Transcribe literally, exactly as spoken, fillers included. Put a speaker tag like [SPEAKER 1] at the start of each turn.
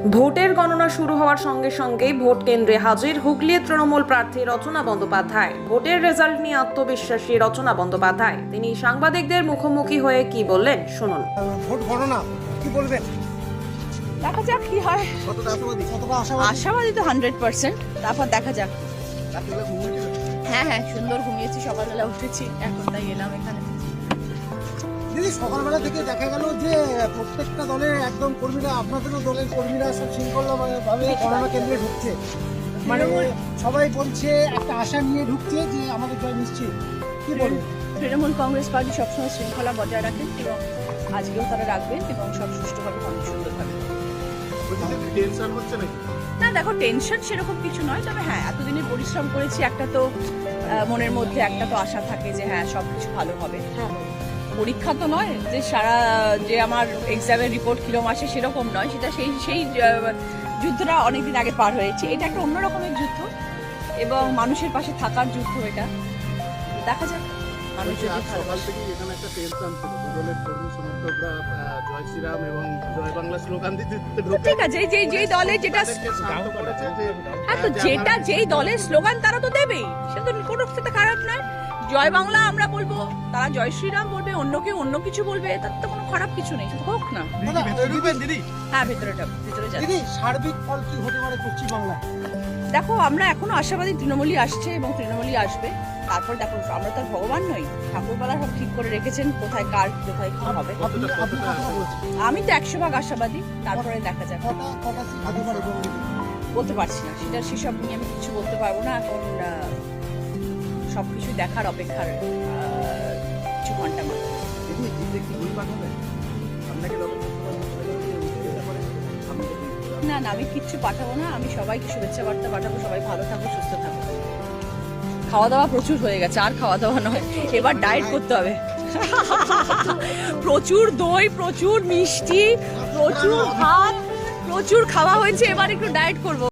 [SPEAKER 1] ভোটের গণনা শুরু হওয়ার সঙ্গে সঙ্গেই ভোট কেন্দ্রে হাজির হুগলির তৃণমূল প্রার্থী রচনা বন্দ্যোপাধ্যায়। ভোটের রেজাল্ট নিয়ে আত্মবিশ্বাসী রচনা বন্দ্যোপাধ্যায়। তিনি সাংবাদিকদের মুখোমুখি হয়ে কি বললেন শুনুন।
[SPEAKER 2] ভোট গণনা কি বলবেন?
[SPEAKER 3] দেখা যাক কি হয়।
[SPEAKER 2] কতটা আশাবাদী? কতটা আশাবাদী?
[SPEAKER 3] আশাবাদী তো হান্ড্রেড পার্সেন্ট। তারপর দেখা যাক। হ্যাঁ হ্যাঁ সুন্দর ঘুমিয়েছি, সকালবেলা উঠেছি, এখন তাই এলাম এখানে।
[SPEAKER 2] দিদি, সকালবেলা থেকে দেখা গেল যে প্রত্যেকটা দলের একদম কর্মীরা, আপনাদেরও দলের কর্মীরা সব শৃঙ্খলাভাবে গণনা কেন্দ্রে ঢুকছে, মানে সবাই বলছে একটা আশা নিয়ে ঢুকছে যে আমাদের জয় নিশ্চিত। কি বলবেন?
[SPEAKER 3] তৃণমূল কংগ্রেস পার্টি সবসময় শৃঙ্খলা বজায় রাখেন এবং আজকেও তারা রাখবেন এবং সব সুষ্ঠুভাবে অনেক সুন্দরভাবে। না দেখো, টেনশন সেরকম কিছু নয়, তবে হ্যাঁ এতদিনে পরিশ্রম করেছি, একটা তো মনের মধ্যে একটা তো আশা থাকে যে হ্যাঁ সব কিছু ভালো হবে। পরীক্ষা তো নয় যে সারা যে আমার এক্সামের রিপোর্ট কিরম আসে সেরকম নয়, সেটা সেই সেই যুদ্ধটা অনেকদিন আগে পার হয়েছে। এটা একটা অন্য রকমের যুদ্ধ এবং মানুষের পাশে থাকার যুদ্ধ। এটা দেখা যাক মানুষ যদি ভালোবাসে।
[SPEAKER 4] এখানে একটা টেনশন ছিল, দলের কর্মী সমর্থকরা জয় শ্রীরাম এবং জয় বাংলা স্লোগান দিতে
[SPEAKER 3] ঠিক আছে, যেই যেই দলে যেটা হ্যাঁ তো যেটা যেই দলের স্লোগান তারা তো দেবেই, সেটা তো কোনো সাথে খারাপ নয়। জয় বাংলা আমরা বলবো, তারা জয় শ্রীরাম বলবে, অন্য কেউ অন্য কিছু বলবে, তার তো কোনো খারাপ কিছু নেই, সেটা হোক না। হ্যাঁ ভেতরেটা ভেতরে যাবে।
[SPEAKER 2] দিদি, সার্বিক ফল কি হতে পারে পশ্চিমবাংলা?
[SPEAKER 3] দেখো আমরা এখনো আশাবাদী তৃণমূলই আসছে এবং তৃণমূলই আসবে। তারপর দেখো, আমরা তো আর ভগবান নই, ঠাকুরপালা সব ঠিক করে রেখেছেন কোথায় কার কোথায় কি হবে। আমি তো একশো ভাগ আশাবাদী, তারপরে দেখা যাক। বলতে পারছি না, সেটা সেসব নিয়ে আমি কিছু বলতে পারবো না এখন। সবকিছু দেখার অপেক্ষার কিছু ঘন্টা মাত্র। না না, আমি কিচ্ছু পাঠাবো না, আমি সবাইকে শুভেচ্ছা বার্তা পাঠাবো। সবাই ভালো থাকো, সুস্থ থাকো। খাওয়া দাওয়া প্রচুর হয়ে গেছে, আর খাওয়া দাওয়া নয়, এবার ডায়েট করতে হবে। প্রচুর দই, প্রচুর মিষ্টি, প্রচুর ভাত, প্রচুর খাওয়া হয়েছে, এবার একটু ডায়েট করবো।